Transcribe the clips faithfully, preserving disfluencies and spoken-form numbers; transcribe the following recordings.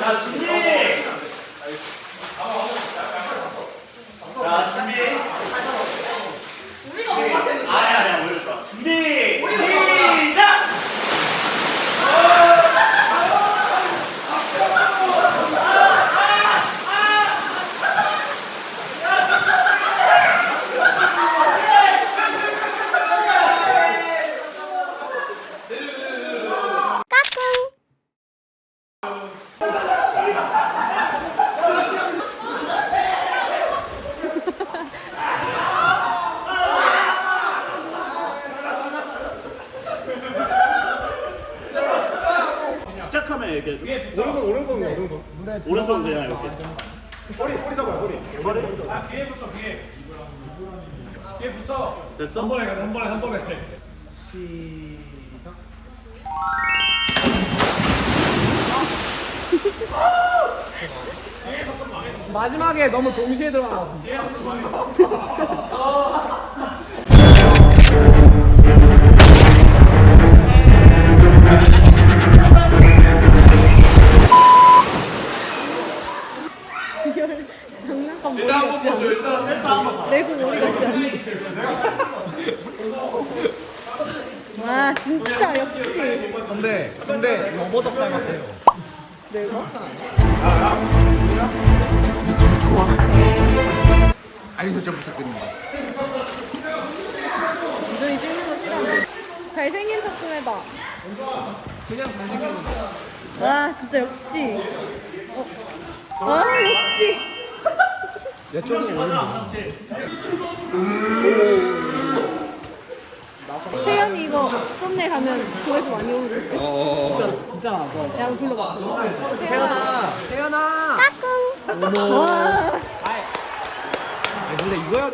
자, 준비! 자, 준비! 우리가 뭔가 되는 거야? 아니, 아니야, 오히려 좋아. 준비! 시작! 시작하면 이렇게 오른손 오른손 오른손 오른손 그냥 이렇게 허리 허리 잡아요 허리 머리 아 귀에 붙여 귀에 귀에 붙여 됐어? 한 번에 가자 한 번에 한 번에 마지막에 너무 동시에 들어가. 장난감 머리 일단 한번 같지 보죠 일단 일단 한번 않아? 내고 머리 같지 않아? 와 진짜 역시 근데 근데 로버덕 닮았대요. 내가? 알림 설정 부탁드립니다. 너희 찍는 거 싫어? 잘생긴 척 좀 해봐. 그냥 잘생긴 거. 와 진짜 역시 어. 와 역시 야 조금 어렵네. 태연이 이거 썸네일 하면 조회수 많이 오르겠어. 진짜 진짜 너. 야 한번 불러봐. 태연아 태연아. 와 아니 근데 이거 해야 돼.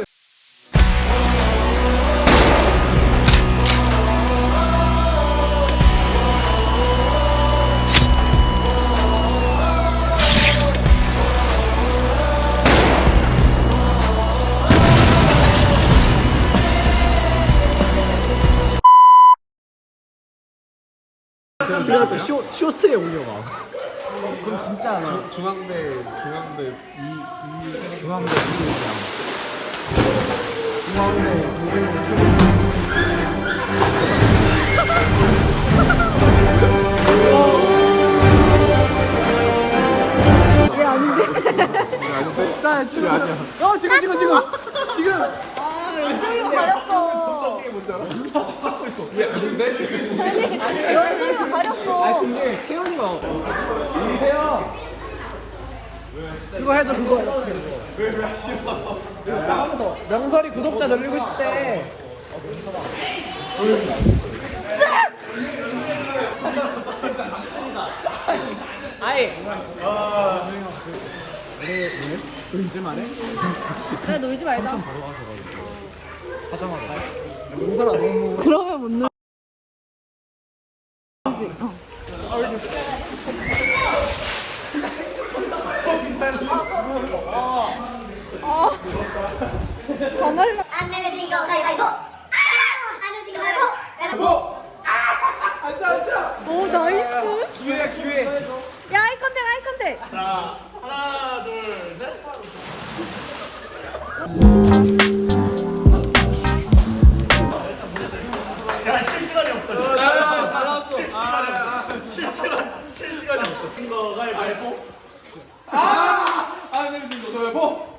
그래갖고 쇼 쇼트에 올려봐. 그럼 진짜 나 중앙대 중앙대 이, 이 중앙대 이장 중앙대 고등부 최고. 얘 아닌데? 아닌데? 나 지금 아니야. 어 지금 지금 지금 지금. 아 연정이가 가렸어. 얘 아닌데? 아니 연정이가 아 가렸어. 근데 태연이가 태연 그거 해줘 그거 이렇게 왜왜 싫어 하면서 명설이 구독자 늘리고 싶대. 아이 왜 의지만 해? 그래 놀지 말자. 하자마자 명설아 너무 그러면 못 놀. 어. 더 말라. 안 내면 진거 가위바위보. 아! 안 내면 진거 가위바위보. 가위바위보. 앉아 앉아 오 나이스. 기회야 기회 야 아이 컨택 아이 컨택. 자, 하나, 둘, 셋. 제가 실시간이 없어. 아, 실시간이 없어. 실시간 실시간이 없어. 이거 가위바위보. 안 내면 진거 가위바위보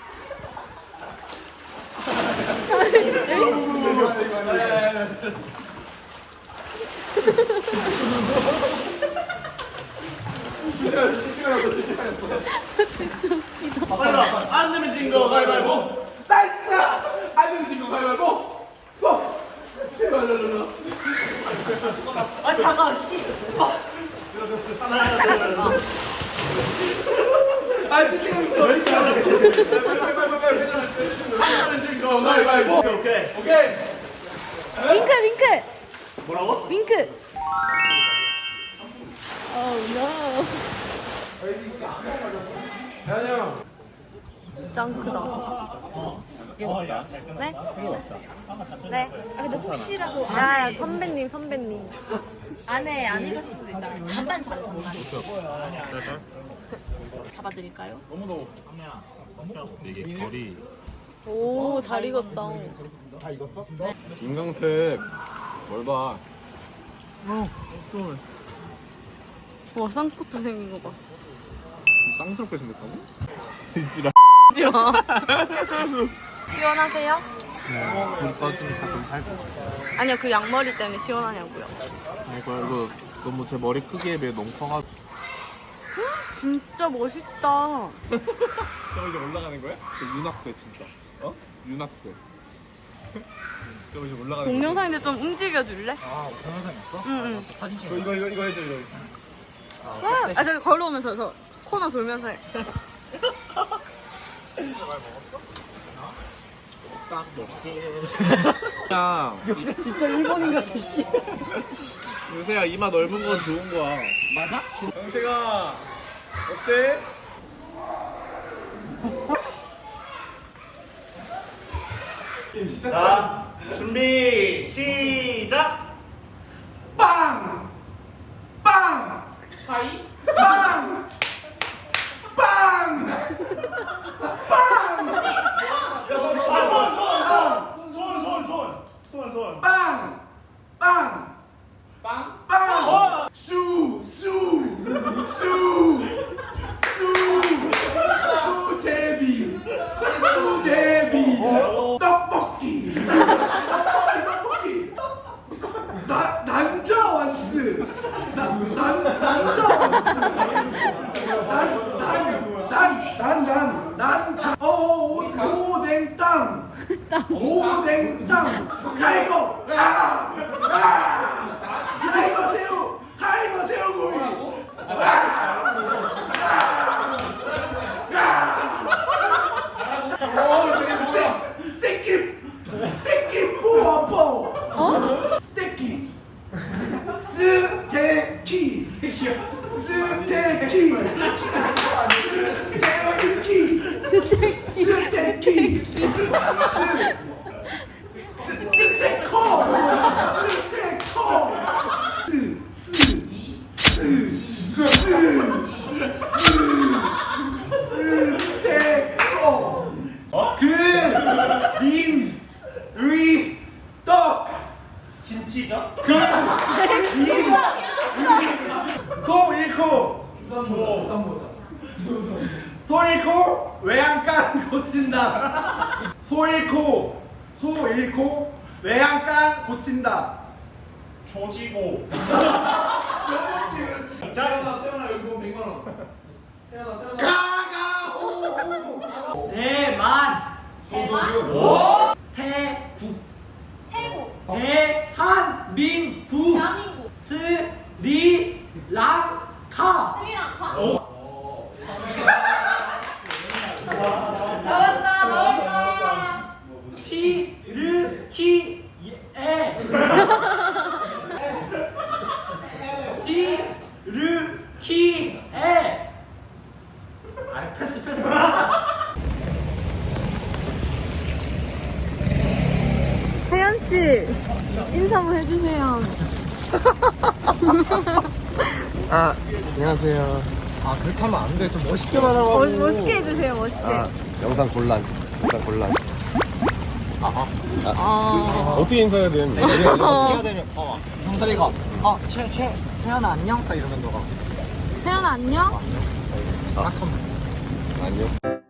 실시간 실시간 없어 실시간 없어 빨리 와. 안 내면 진 거 가위바위보. 나이스 안 내면 진거 가위바위보 고 랄랄랄라 아 잠깐 씨. 하나, 둘, 아 실시간 있어 실시간 안 내면 진거 가위바위보 오케이 오케이. 오케이 윙크 윙크 뭐라고? 윙크. Oh no. 대한이 형 짱 크다. 어, 야. 네? 네. 아, 근데 혹시라도 아 선배님 선배님. 안에 안 입었을 수도 있잖아요. 반반 잡아. 잡아드릴까요? 이게 결이 오, 잘 익었다. 김강택 뭘 봐. 와, 쌍꺼풀 생긴 거 봐. 쌍스럽게 생겼다고? 하지 마. 시원하세요? 불 꺼지니까 좀 살고. 아니요, 그 양머리 때문에 시원하냐고요. 이거 이거 너무 제 머리 크기에 비해 너무 커가지고. 진짜 멋있다. 저 이제 올라가는 거야? 저 윤학대 진짜. 어? 윤학대. 저 이제 올라가는 거야? 동영상인데 좀 움직여줄래? 아 동영상 있어? 응, 응. 사진 찍어. 이거 이거 이거 해줘 이거. 아, 아, 저기 걸어오면서 저 코너 돌면서 해. 딱 먹게. 야 요새 진짜 일본인 같아 씨. 요새야 이마 넓은 건 좋은 거야. 맞아? 강태가 어때? 자 준비 시작. 빵! 빵! 하이. 빵! 빵! 손손손손손손손손손 빵! 빵! 빵. 빵! 수! 수! 수! 수! 수제비! 수제비! 떡볶이! 떡볶이 떡볶이! 나, 난저완스! 나, 난, 난저완스! 난, 난, 난, 난, 난, 난, 자, 어, 오, 오뎅땅! 오뎅땅! 타이거! 아! 아! 타이거 새우! 타이거 새우구이! 아! 스테이키! 스테이키 포어포! 어? 스테이키! 스테이키! 스테이키요? 스테이키! 스테이키! 스테이키! 스- 스테이커! 스테이커! 스, 스, 스, 스, 스, 스테이커! 그, 림, 의, 떡! 김치전. 그, 림, 소 잃고, 조, 소 잃고, 외양간 고친다. 소 잃고, 소 잃고, 외양간 고친다. 조지고. 자, 태어나, 태어나, 여기 보면 백만 원. 태어나, 태어나. 가가호! 대만. 대만? 태국. 태국. 대한민국. 대한민국. 스리랑카. 스리랑카. 오. 나왔다 나왔다. 티르키예. 티르키예. 아 패스 패스. 태연 씨, 인사 한번 해주세요. 아 안녕하세요. 아 그렇게 하면 안 돼. 좀 멋있게만 하라고. 멋, 멋있게 해주세요, 멋있게. 아 영상 곤란. 영상 곤란. 아, 어떻게 인사해야 되는? 어떻게 해야 되면? 어, 형설이가 어, 채, 채, 채연아 안녕? 딱 이러면 너가 태연 안녕? 싹 하면 안녕.